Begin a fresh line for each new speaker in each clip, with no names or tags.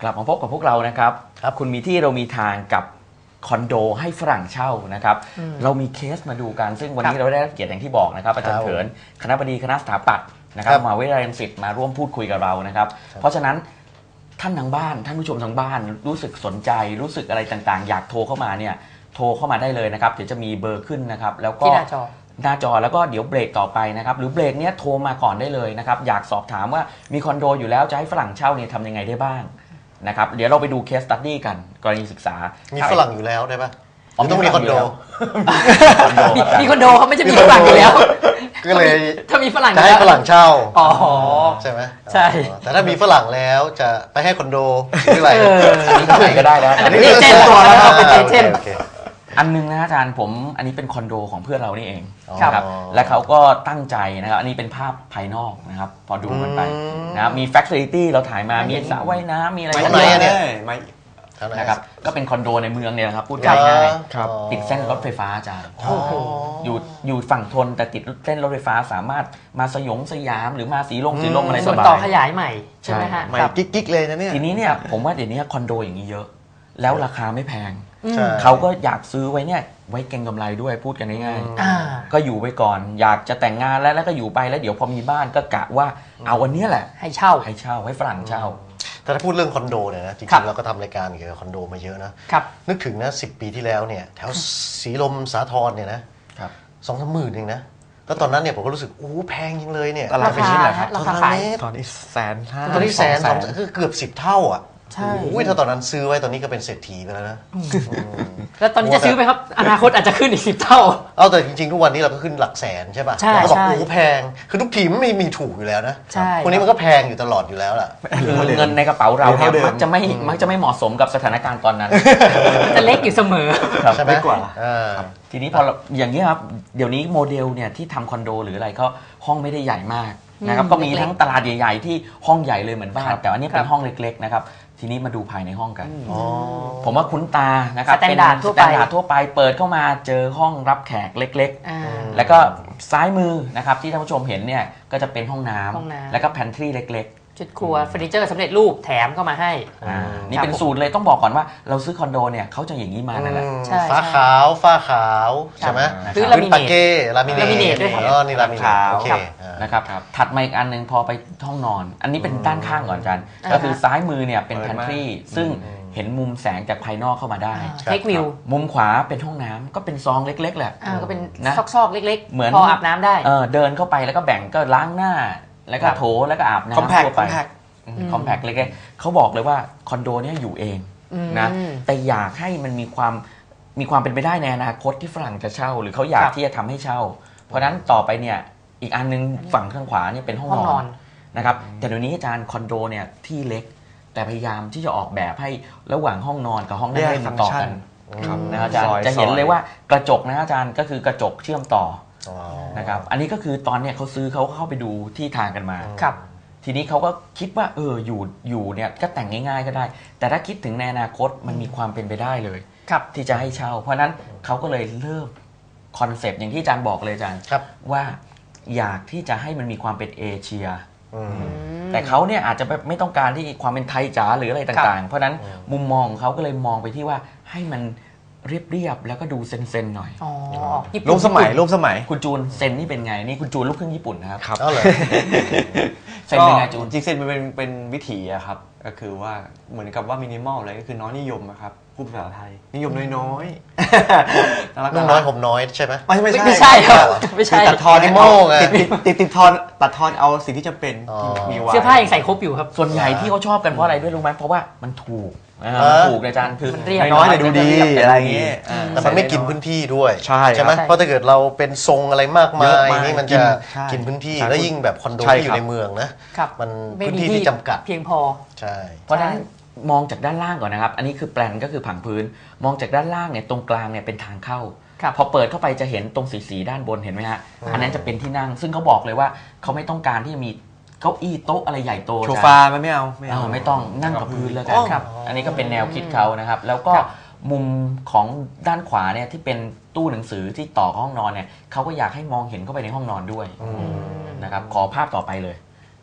กลับมาพบกับพวกเรานะครับคุณมีที่เรามีทางกับคอนโดให้ฝรั่งเช่านะครับเรามีเคสมาดูกันซึ่งวันนี้เราได้รับเกียรติอย่างที่บอกนะครับอาจารย์เถินคณบดีคณะสถาปัตย์นะครับมหาวิทยาลัยรังสิตมาร่วมพูดคุยกับเรานะครับเพราะฉะนั้นท่านทางบ้านท่านผู้ชมทางบ้านรู้สึกสนใจรู้สึกอะไรต่างๆอยากโทรเข้ามาเนี่ยโทรเข้ามาได้เลยนะครับเดี๋ยวจะมีเบอร์ขึ้นนะครับแล้วก็หน้าจอแล้วก็เดี๋ยวเบรกต่อไปนะครับหรือเบรกเนี้ยโทรมาก่อนได้เลยนะครับอยากสอบถามว่ามีคอนโดอยู่แล้วจะให้ฝรั่งเช่าเนี่ยทำยังไงได้บ้างนะครับเดี๋ยวเราไปดูเคสสตั๊ดดี้กันกรณีศึกษา
มีฝรั่งอยู่แล้วได้ปะหรือต้องมีคอนโด
มีคอนโดเขาไม่จะมีฝรั่งอยู่แล้ว
ก็เลย
ถ้ามีฝรั่ง
จะให้ฝรั่งเช่าใช่ไหม
ใช่
แต่ถ้ามีฝรั่งแล้วจะไปให้คอนโดหรืออะไร
ไหนก็ได้แล้ว
อันนี้เจนตัวแล้วเป็นเจน
อันนึงนะอาจารย์ผมอันนี้เป็นคอนโดของเพื่อนเรานี่เองนะครับและเขาก็ตั้งใจนะครับอันนี้เป็นภาพภายนอกนะครับพอดูกันไปนะมีแฟคซิลิตี้เราถ่ายมามีสระว่ายน้ำมีอะไร
ข้างในเนี่ย
นะครับก็เป็นคอนโดในเมืองเนี่ยนะครับพูดง่ายๆติดเส้นรถไฟฟ้าอาจารย์อยู่ฝั่งทนแต่ติดเส้นรถไฟฟ้าสามารถมาสยามหรือมาสีลมอะไรสบาย
ส่วนต่อขยายใหม่ใช่ไหมฮะ
ใหม่กิ๊กเลยนะเนี่ย
ทีนี้เนี่ยผมว่าเดี๋ยวนี้คอนโดอย่างนี้เยอะแล้วราคาไม่แพงเขาก็อยากซื้อไว้เนี่ยไว้เก็งกำไรด้วยพูดกันง่ายๆก็อยู่ไปก่อนอยากจะแต่งงานแล้วก็อยู่ไปแล้วเดี๋ยวพอมีบ้านก็กะว่าเอาวันนี้แหละ
ให้เช่า
ให้ฝรั่งเช่า
แต่ถ้าพูดเรื่องคอนโดเนี่ยนะจริงๆเราก็ทำรายการเกี่ยวกับคอนโดมาเยอะนะนึกถึงนะ10 ปีที่แล้วเนี่ยแถวสีลมสาทรเนี่ยนะ2-3 หมื่นเองนะแล้วตอนนั้นเนี่ยผมก็รู้สึกโอ้แพงจริงเลยเนี่ย
ราคา
ตอนนี้150,000ตอนนี้100,000คือเกือบ10 เท่าอ่ะใช่ถ้าตอนนั้นซื้อไว้ตอนนี้ก็เป็นเศรษฐีไปแล้วนะ
แล้วตอนนี้จะซื้อไหมครับอนาคตอาจจะขึ้นอีก10 เท่า
แต่จริงๆทุกวันนี้เราก็ขึ้นหลักแสนใช่ป่ะเราก็บอกโอ้แพงคือทุกทีมไม่มีถูกอยู่แล้วนะพวกนี้มันก็แพงอยู่ตลอดอยู่แล้วล่ะ
เงินในกระเป๋าเราเนี่ยมักจะไม่เหมาะสมกับสถานการณ์ตอนนั้น
จะเล็กอยู่เสมอ
ใช่ไหมกว่า
ทีนี้พออย่างนี้ครับเดี๋ยวนี้โมเดลเนี่ยที่ทำคอนโดหรืออะไรก็ห้องไม่ได้ใหญ่มากนะครับก็มีทั้งตลาดใหญ่ๆที่ห้องใหญ่เลยเหมือนบ้านแต่อันนี้เป็นห้องเล็กๆนะครับทีนี้มาดูภายในห้องกันผมว่าคุ้นตานะครับ
เป็นสแตนดาร์ด
ทั่วไปเปิดเข้ามาเจอห้องรับแขกเล็กๆแล้วก็ซ้ายมือนะครับที่ท่านผู้ชมเห็นเนี่ยก็จะเป็นห้องน้ำแล้วก็แพนทรีเล็ก
ๆจุดครัวเฟอร์นิเจอร์สำเร็จรูปแถมก็มาให้
นี่เป็นสูตรเลยต้องบอกก่อนว่าเราซื้อคอนโดเนี่ยเขาจะอย่างนี้มานั่นแหละ
ฝ้าขาวใช่ไหม
หรือ
ลามิเนต
ด้วย
นี่ลามิเนตโอเค
นะครับถัดมาอีกอันนึงพอไปห้องนอนอันนี้เป็นด้านข้างก่อนอาจารย์ก็คือซ้ายมือเนี่ยเป็นแพนทรีซึ่งเห็นมุมแสงจากภายนอกเข้ามาได้
เทควิว
มุมขวาเป็นห้องน้ำก็เป็นซองเล็กๆแหละ
ก็เป็นซอกๆเล็กๆเหมือนพออาบน้ำได้
เดินเข้าไปแล้วก็แบ่งก็ล้างหน้าแล้วก็โถแล้วก็อาบน้ำทั่วไปคอมแพคเล็กๆเขาบอกเลยว่าคอนโดเนี่ยอยู่เองนะแต่อยากให้มันมีความเป็นไปได้ในอนาคตที่ฝรั่งจะเช่าหรือเขาอยากที่จะทำให้เช่าเพราะนั้นต่อไปเนี่ยอีกอันนึงฝั่งข้างขวาเนี่ยเป็นห้องนอนนะครับแต่เดี๋ยวนี้อาจารย์คอนโดเนี่ยที่เล็กแต่พยายามที่จะออกแบบให้ระหว่างห้องนอนกับห้องนั่งเล่นต่อกันนะอาจารย์จะเห็นเลยว่ากระจกนะอาจารย์ก็คือกระจกเชื่อมต่อนะครับอันนี้ก็คือตอนเนี้ยเขาซื้อเขาเข้าไปดูที่ทางกันมาทีนี้เขาก็คิดว่าอยู่เนี่ยก็แต่งง่ายๆก็ได้แต่ถ้าคิดถึงในอนาคตมันมีความเป็นไปได้เลยที่จะให้เช่าเพราะนั้นเขาก็เลยเริ่มคอนเซปต์อย่างที่อาจารย์บอกเลยอาจารย์ว่าอยากที่จะให้มันมีความเป็นเอเชียแต่เขาเนี่ยอาจจะไม่ต้องการที่ความเป็นไทยจ๋าหรืออะไรต่างๆเพราะนั้นมุมมองเขาก็เลยมองไปที่ว่าให้มันเรียบแล้วก็ดูเซนๆหน่อย
รูปสมัย
คุณจูนเซนนี่เป็นไงนี่คุณจูนลูกครึ่งญี่ปุ่นนะครับ
เซนเป็นไงจูนจริงเซนเป็นวิถีอะครับก็คือว่าเหมือนกับว่ามินิมอลอะไรก็คือน้อยนิยมครับพูดภาษาไทยนิยมน้อย
นุ่งน้อยห่มน้อยใช่ไหม
ไม่ใช่ครับไม่ใช่
ตัดทอนนิโม่ไง
ติดทอนตัดทอนเอาสิ่งที่จำเป็น
มีไว้เสื้อผ้ายังใส่ครบอยู่ครับ
ส่วนใหญ่ที่เขาชอบกันเพราะอะไรด้วยรู้ไหมเพราะว่ามันถูกอาจารย์คือ
น้อยแต่ดูดีอะไรอย่างงี้
แต่มันไม่กินพื้นที่ด้วยใช่ไหมเพราะถ้าเกิดเราเป็นทรงอะไรมากมายนี่มันจะกินพื้นที่แล้วยิ่งแบบคอนโดที่อยู่ในเมืองนะมันพื้นที่ที่จำกัด
เพียงพอ
ใช่
เพราะฉะนั้นมองจากด้านล่างก่อนนะครับอันนี้คือแปลนก็คือผังพื้นมองจากด้านล่างเนี่ยตรงกลางเนี่ยเป็นทางเข้าพอเปิดเข้าไปจะเห็นตรงสีด้านบนเห็นไหมฮะอันนั้นจะเป็นที่นั่งซึ่งเขาบอกเลยว่าเขาไม่ต้องการที่จะมีเก้าอี้โต๊ะอะไรใหญ่โต
โซฟาไม่เอา
ไม่ต้องนั่งกับพื้นแล้วกันครับอันนี้ก็เป็นแนวคิดเขานะครับแล้วก็มุมของด้านขวาเนี่ยที่เป็นตู้หนังสือที่ต่อห้องนอนเนี่ยเขาก็อยากให้มองเห็นเข้าไปในห้องนอนด้วยนะครับขอภาพต่อไปเลย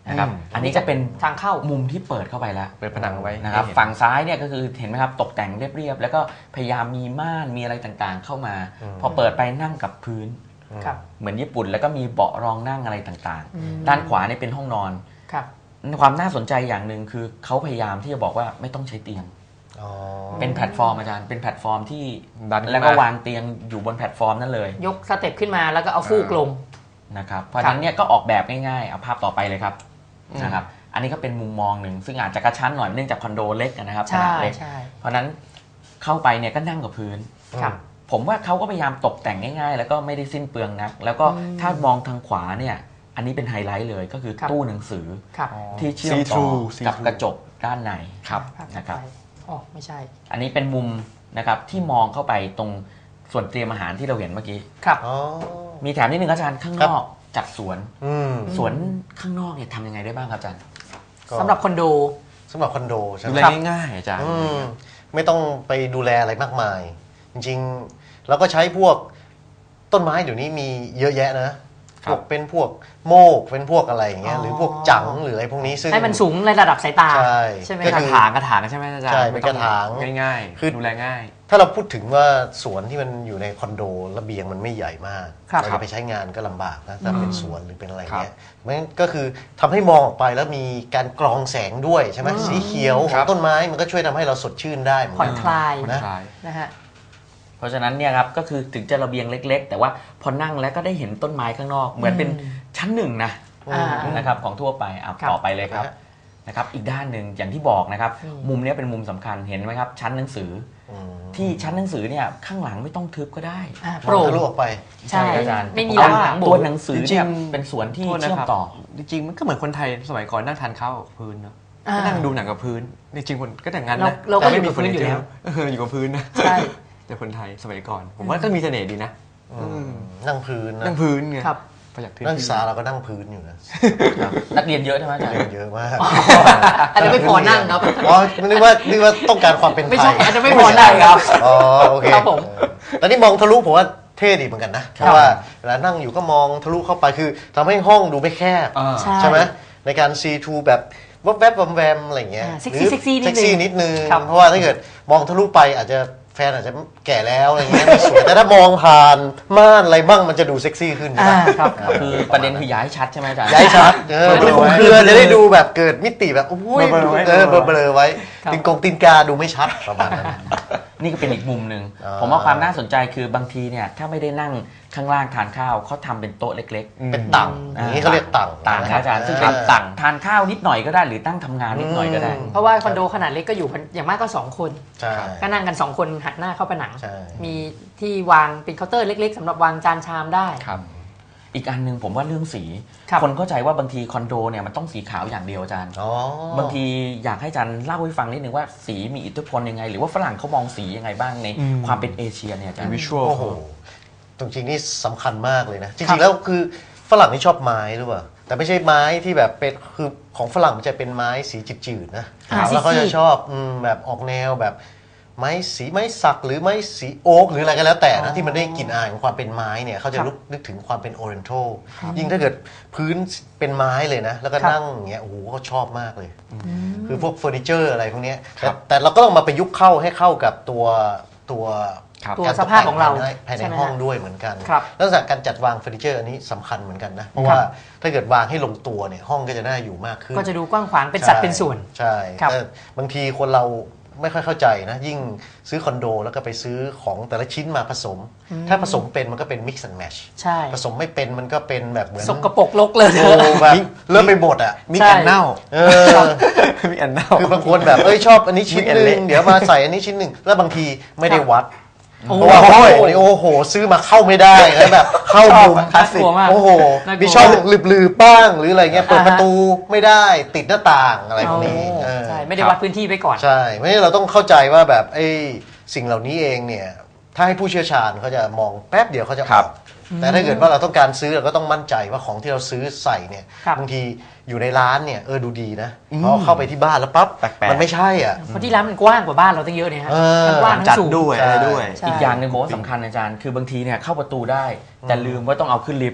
นะครับอันนี้จะเป็น
ทางเข้า
มุมที่เปิดเข้าไปแล้ว
เปิดผนังไว้
นะครับฝั่งซ้ายเนี่ยก็คือเห็นไหมครับตกแต่งเรียบๆแล้วก็พยายามมีม่านมีอะไรต่างๆเข้ามาพอเปิดไปนั่งกับพื้นเหมือนญี่ปุ่นแล้วก็มีเบาะรองนั่งอะไรต่างๆด้านขวาเนี่ยเป็นห้องนอนความน่าสนใจอย่างหนึ่งคือเขาพยายามที่จะบอกว่าไม่ต้องใช้เตียงเป็นแพลตฟอร์มอาจารย์เป็นแพลตฟอร์มที่แล้วก็วางเตียงอยู่บนแพลตฟอร์มนั่นเลย
ยกสเต็ปขึ้นมาแล้วก็เอาฟูกลง
นะครับเพราะฉะนั้นเนี่ยก็ออกแบบง่ายๆเอาภาพต่อไปเลยครับนะครับอันนี้ก็เป็นมุมมองหนึ่งซึ่งอาจจะกระชั้นหน่อยเนื่องจากคอนโดเล็กนะครับขนาดเล็กเพราะนั้นเข้าไปเนี่ยก็นั่งกับพื้นผมว่าเขาก็พยายามตกแต่งง่ายๆแล้วก็ไม่ได้สิ้นเปลืองนักแล้วก็ถ้ามองทางขวาเนี่ยอันนี้เป็นไฮไลท์เลยก็คือตู้หนังสือที่เชื่อมต่อกับกระจกด้านในนะครับ
ไม่ใช่
อันนี้เป็นมุมนะครับที่มองเข้าไปตรงส่วนเตรียมอาหารที่เราเห็นเมื่อกี้มีแถมนิดนึงอาจารย์ข้างนอกจัดสวนข้างนอกเนี่ยทำยังไงได้บ้างครับอาจารย์
สำหรับคอนโด
ใช่ไหม
ดูแลง่ายๆอาจารย์
ไม่ต้องไปดูแลอะไรมากมายจริงๆเราก็ใช้พวกต้นไม้เดี๋ยวนี้มีเยอะแยะนะพวกเป็นพวกโมกเป็นพวกอะไรอย่างเงี้ยหรือพวกจังหรืออะไรพวกนี้ซึ่ง
ให้มันสูงในระดับสายตา
ใช่
ไหม
กระถางใช่ไหมอาจารย์
ใช่เป็นกระถาง
ง่ายๆคือดูแลง่าย
ถ้าเราพูดถึงว่าสวนที่มันอยู่ในคอนโดระเบียงมันไม่ใหญ่มากเราจะไปใช้งานก็ลำบากนะถ้าเป็นสวนหรือเป็นอะไรเงี้ยมันก็คือทำให้มองออกไปแล้วมีการกรองแสงด้วยใช่ไหมสีเขียวของต้นไม้มันก็ช่วยทำให้เราสดชื่นได้
ผ่อนคลาย
นะฮะเพราะฉะนั้นเนี่ยครับก็คือถึงจะระเบียงเล็กๆแต่ว่าพอนั่งแล้วก็ได้เห็นต้นไม้ข้างนอกเหมือนเป็นชั้นหนึ่งนะครับของทั่วไปต่อไปเลยครับนะครับอีกด้านหนึ่งอย่างที่บอกนะครับมุมนี้เป็นมุมสำคัญเห็นไหมครับชั้นหนังสือที่ชั้นหนังสือเนี่ยข้างหลังไม่ต้องทึบก็ได้
โปร่งทะลุออกไป
ใช่
อาจารย์
ไม่มี
หลังตัวหนังสือเนี่ยเป็นส่วนที่เชื่อมต่อ
จริงๆมันก็เหมือนคนไทยสมัยก่อนนั่งทานข้าวกับพื้นเนาะนั่งดูหนังกับพื้นจริงๆคนก็แต่งงานนะ
เราก็ไม่มีพื้นอยู่แล้ว
อยู่กับพื้นนะแต่คนไทยสมัยก่อนผมว่าก็มีเสน่ห์ดีนะ
นั่งพื้น
ไง
นักศึกษาเราก็นั่งพื้นอยู่นะ
นักเรียนเยอะใช่ไหมอาจารย์
เยอะมาก
อันนี้ไม่พอนั่งครับ
อ๋อนึกว่าต้องการความเป็นไทย
ไม่ใช่อันนี้ไม่พอนั่งครับ
อ๋อโอเคครับผมตอนนี้มองทะลุผมว่าเท่ดีเหมือนกันนะเพราะว่าเวลานั่งอยู่ก็มองทะลุเข้าไปคือทำให้ห้องดูไม่แคบใช่ไหมในการ C2 แบบแวบๆแวมๆอะไรเงี้ย
เซ็กซี่
นิดนึงเพราะว่าถ้าเกิดมองทะลุไปอาจจะแฟนอาจจะแก่แล้วอะไรเงี้ยไม่สวยแต่ถ้ามองผ่านม่านอะไรบ้างมันจะดูเซ็กซี่ขึ้น
ครับคือประเด็นคือย้ายชัดใช่ไหมอาจารย์
ย้ายชัดเครือจะได้ดูแบบเกิดมิติแบบโอ้ยเบลอไว้ตีนกาดูไม่ชัดประมาณนั้น
นี่ก็เป็นอีกมุมหนึ่งผมว่าความน่าสนใจคือบางทีเนี่ยถ้าไม่ได้นั่งข้างล่างทานข้าวเขาทำเป็นโต๊ะเล็ก
ๆเป็นตั่งอย่างนี้เขาเรียกตั่ง
อาจารย์ซึ่งเป็นตั่งทานข้าวนิดหน่อยก็ได้หรือตั้งทำงานนิดหน่อยก็ได้
เพราะว่าคอนโดขนาดเล็กก็อยู่อย่างมากก็2คนก็นั่งกัน2คนหันหน้าเข้าผนังมีที่วางเป็นเคาน์เตอร์เล็กๆสำหรับวางจานชามได้
อีกอันหนึ่งผมว่าเรื่องสีคนเข้าใจว่าบางทีคอนโดเนี่ยมันต้องสีขาวอย่างเดียวอาจารย์บางทีอยากให้อาจารย์เล่าให้ฟังนิดนึงว่าสีมีอิทธิพลยังไงหรือว่าฝรั่งเขามองสียังไงบ้างในความเป็นเอเชียเนี่ยอาจารย์
วิชวล
โอ้โหตรงจริงนี่สำคัญมากเลยนะจริงๆแล้วคือฝรั่งนี่ชอบไม้หรือเปล่าแต่ไม่ใช่ไม้ที่แบบเป็นคือของฝรั่งมันจะเป็นไม้สีจืดๆนะแล้วเขาจะชอบแบบออกแนวแบบไม้สักหรือไม้สีโอ๊กหรืออะไรก็แล้วแต่นะที่มันได้กลิ่นอายของความเป็นไม้เนี่ยเขาจะนึกถึงความเป็นโอเรนทัลยิ่งถ้าเกิดพื้นเป็นไม้เลยนะแล้วก็นั่งอย่างเงี้ยโอ้โหเขาชอบมากเลยคือพวกเฟอร์นิเจอร์อะไรพวกนี้แต่เราก็ต้องมาประยุกต์ให้เข้ากับตัว
สภาพของเรา
ภายในห้องด้วยเหมือนกันลักษณะการจัดวางเฟอร์นิเจอร์อันนี้สำคัญเหมือนกันนะเพราะว่าถ้าเกิดวางให้ลงตัวเนี่ยห้องก็จะน่าอยู่มากขึ้น
ก็จะดูกว้างขวางเป็นสัดเป็นส่วน
ใช่แต่บางทีคนเราไม่ค่อยเข้าใจนะยิ่งซื้อคอนโดแล้วก็ไปซื้อของแต่ละชิ้นมาผสมถ้าผสมเป็นมันก็เป็น mix and match
ใช่
ผสมไม่เป็นมันก็เป็นแบบเหมือน
สกปรกรกเลย
แบบเริ่มไปหมดอ่ะ
มิกแอนเน่ามิกแอนเน่า
คือบางคนแบบชอบอันนี้ชิ้นนึงเดี๋ยวมาใส่อันนี้ชิ้นนึงแล้วบางทีไม่ได้วัดเพราะว่าโอ้โหซื้อมาเข้าไม่ได้แล้วแบบเข้ามุม
คลาสสิก
โอ้โหมีช่องลืบๆบ้างหรืออะไรเงี้ยเปิดประตูไม่ได้ติดหน้าต่างอะไรพวกนี้
ใช่ไม่ได้วัดพื้นที่ไปก่อน
ใช่ไม่เราต้องเข้าใจว่าแบบสิ่งเหล่านี้เองเนี่ยถ้าให้ผู้เชี่ยวชาญเขาจะมองแป๊บเดียวเขาจะออกแต่ถ้าเกิดว่าเราต้องการซื้อเราก็ต้องมั่นใจว่าของที่เราซื้อใส่เนี่ยบางทีอยู่ในร้านเนี่ยดูดีนะพอเข้าไปที่บ้านแล้วปั๊บมันไม่ใช่อ่ะ
เพราะที่ร้านมันกว้างกว่าบ้านเราตั้งเยอะเนี่ยฮะ
มัน
กว้าง
จัดด้วยอะไรด้วย
อีกอย่างหนึ่งผมว่าสำคัญอาจารย์คือบางทีเนี่ยเข้าประตูได้แต่ลืมว่าต้องเอาขึ้นลิฟต์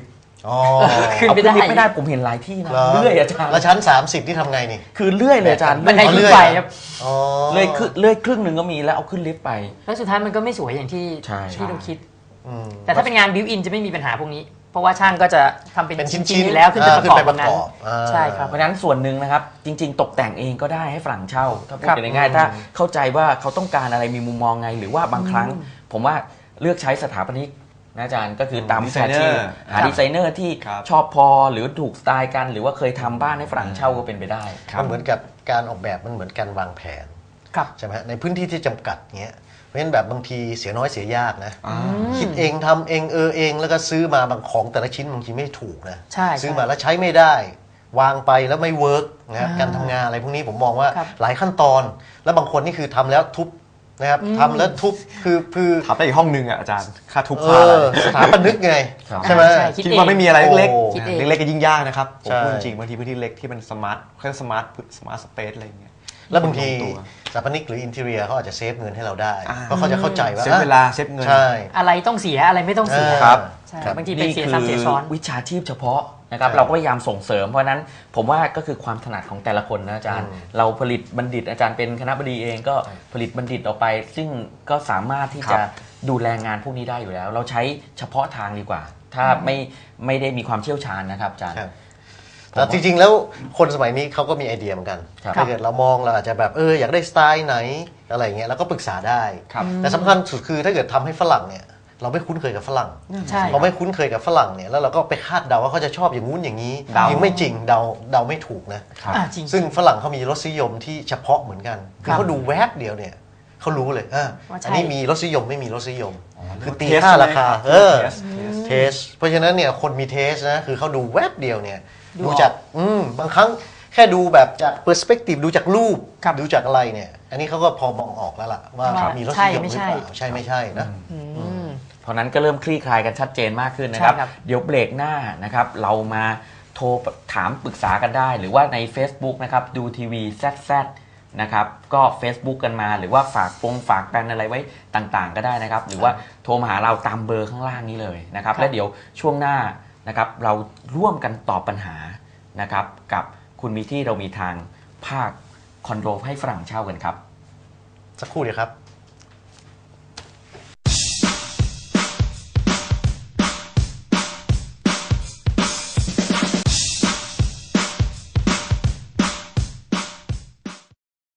ขึ้น
เอา
ไม่
ขึ้นลิฟต์
ได้
ไม่ได้ผมเห็นหลายที่นะเลื่อยอาจารย์
แล้วชั้น30ที่ทำไงนี่
คือเลื่อยเลยอาจารย์
บันไดขึ้นไปครับ
เลื่อยครึ่งหนึ่งก็มีแล้วเอาขึ้นลิฟต์ไป
แล้วสุดท้ายมันก็ไม่สวยอย่างที่เราคิด แต่ถ้าเป็นงานบิวอินจะไม่มีปัญหาพวกนี้เพราะว่าช่างก็จะทำเป็นชิ้นๆแล้วขึ้นไปประกอบตรงนั้นใช่ครับ
เพราะฉะนั้นส่วนหนึ่งนะครับจริงๆตกแต่งเองก็ได้ให้ฝรั่งเช่าถ้าพูดง่ายๆถ้าเข้าใจว่าเขาต้องการอะไรมีมุมมองไงหรือว่าบางครั้งผมว่าเลือกใช้สถาปนิกนะอาจารย์ก็คือตามวิชาชีพหาดีไซเนอร์ที่ชอบพอหรือถูกสไตล์กันหรือว่าเคยทำบ้านให้ฝรั่งเช่าก็เป็นไปได้
มันเหมือนกับการออกแบบมันเหมือนการวางแผนใช่ไหมในพื้นที่ที่จำกัดเงี้ยเพราะฉะนั้นแบบบางทีเสียน้อยเสียยากนะคิดเองทำเองเองแล้วก็ซื้อมาบางของแต่ละชิ้นบางทีไม่ถูกนะซื้อมาแล้วใช้ไม่ได้วางไปแล้วไม่เวิร์กนะการทำงานอะไรพวกนี้ผมมองว่าหลายขั้นตอนแล้วบางคนนี่คือทำแล้วทุบนะครับทำแล้วทุบคือ
ทำได้อีกห้องนึงอ่ะอาจารย์ค่าทุบค่าอะไร
สถาปนิกไงใช่ไหม
คิดว่าไม่มีอะไรเล็กๆเล็กๆก็ยิ่งยากนะครับผมพูดจริงบางทีพื้นที่เล็กที่มันสมาร์ทเครื่องสมาร์ทสเปซอะไรอย่างเงี้ย
แล้วบางทีสถาปนิกหรืออินทีเรียเขาอาจจะเซฟเงินให้เราได้เพราะเขาจะเข้าใจว่า
เซฟเวลาเซฟเงิน
อะไรต้องเสียอะไรไม่ต้องเสีย
ครับ
บางทีเป็นเสียซ้ำเสียซ้อน
วิชาชีพเฉพาะนะครับเราก็พยายามส่งเสริมเพราะนั้นผมว่าก็คือความถนัดของแต่ละคนนะอาจารย์เราผลิตบัณฑิตอาจารย์เป็นคณบดีเองก็ผลิตบัณฑิตออกไปซึ่งก็สามารถที่จะดูแลงานพวกนี้ได้อยู่แล้วเราใช้เฉพาะทางดีกว่าถ้าไม่ได้มีความเชี่ยวชาญนะครับอาจารย์
แต่จริงๆแล้วคนสมัยนี้เขาก็มีไอเดียเหมือนกันถ้าเกิดเรามองเราอาจจะแบบอยากได้สไตล์ไหนอะไรเงี้ยเราก็ปรึกษาได้แต่สำคัญสุดคือถ้าเกิดทำให้ฝรั่งเนี่ยเราไม่คุ้นเคยกับฝรั่งเราไม่คุ้นเคยกับฝรั่งเนี่ยแล้วเราก็ไปคาดเดาว่าเขาจะชอบอย่างงู้นอย่างนี้ยังไม่จริงเดาไม่ถูกนะซึ่งฝรั่งเขามีรสนิยมที่เฉพาะเหมือนกันคือเขาดูแวบเดียวเนี่ยเขารู้เลยอันนี้มีรสนิยมไม่มีรสนิยมคือตีค่าราคาเทสเพราะฉะนั้นเนี่ยคนมีเทสนะคือเขาดูแวบเดียวเนี่ยดูจากบางครั้งแค่ดูแบบจากเปอร์สเปกทีฟดูจากรูปดูจากอะไรเนี่ยอันนี้เขาก็พอมองออกแล้วล่ะว่ามีรสนิยมหรือเปล่าใช่ไม่ใช่นะ
เพราะนั้นก็เริ่มคลี่คลายกันชัดเจนมากขึ้นนะครับเดี๋ยวเบรกหน้านะครับเรามาโทรถามปรึกษากันได้หรือว่าใน Facebook นะครับดูทีวีZZนะครับก็ Facebook กันมาหรือว่าฝากกันอะไรไว้ต่างๆก็ได้นะครับหรือว่าโทรมาหาเราตามเบอร์ข้างล่างนี้เลยนะครับและเดี๋ยวช่วงหน้านะครับเราร่วมกันตอบปัญหานะครับกับคุณมีที่เรามีทางภาคคอนโดให้ฝรั่งเช่ากันครับ
สักครู่เดียวครับ